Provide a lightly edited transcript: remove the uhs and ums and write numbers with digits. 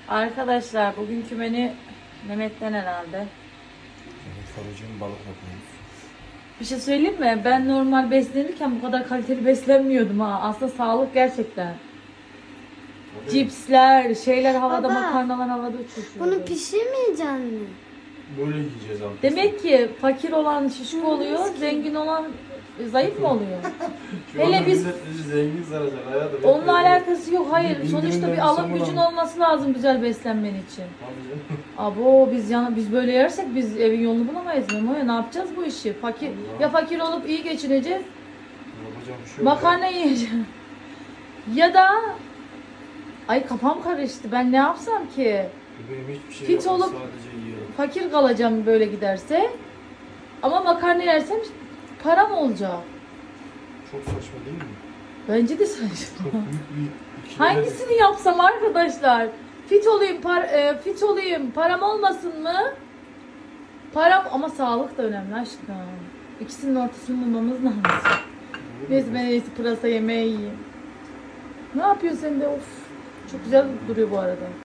Arkadaşlar bugünkü menü Mehmet'ten herhalde. Evet, karıcığım balık yapıyoruz. Bir şey söyleyeyim mi? Ben normal beslenirken bu kadar kaliteli beslenmiyordum ha. Aslında sağlık gerçekten. Tabii. Cipsler, şeyler havada, Baba, makarnalar havada uçuşuyordu. Bunu pişirmeyeceksin mi? Böyle yiyeceğiz abi. Demek ki fakir olan şişko oluyor, zengin olan zayıf mı oluyor? Şu hele anda biz- millet bizi zengin sanacak hayatım. Onunla alakası yok. Hayır. Bir Sonuçta indirimden bir alım sonra gücün mı? olması lazım güzel beslenmen için. Tabii canım. Abo biz böyle yersek biz evin yolunu bulamayız Memo'ya. Ne yapacağız bu işi? Fakir Allah. ya fakir olup iyi geçineceğiz. Yapacak bir şey yok. Makarna yiyeceğim. Ya da ay kafam karıştı. Ben ne yapsam ki? Benim hiçbir şey Fit yok. olup- Sadece yiyorum. Fakir kalacağım böyle giderse. Ama makarna yersem param olacak. Çok saçma değil mi? Bence de saçma. Çok büyük bir ikileme. Hangisini yapsam arkadaşlar? Fit olayım, param olmasın mı? Param ama sağlık da önemli aşkım. İkisinin ortasını bulmamız lazım. Neyse ben en iyisi pırasa yemeği yiyeyim. Ne yapıyorsun sen de? Of. Çok güzel duruyor bu arada.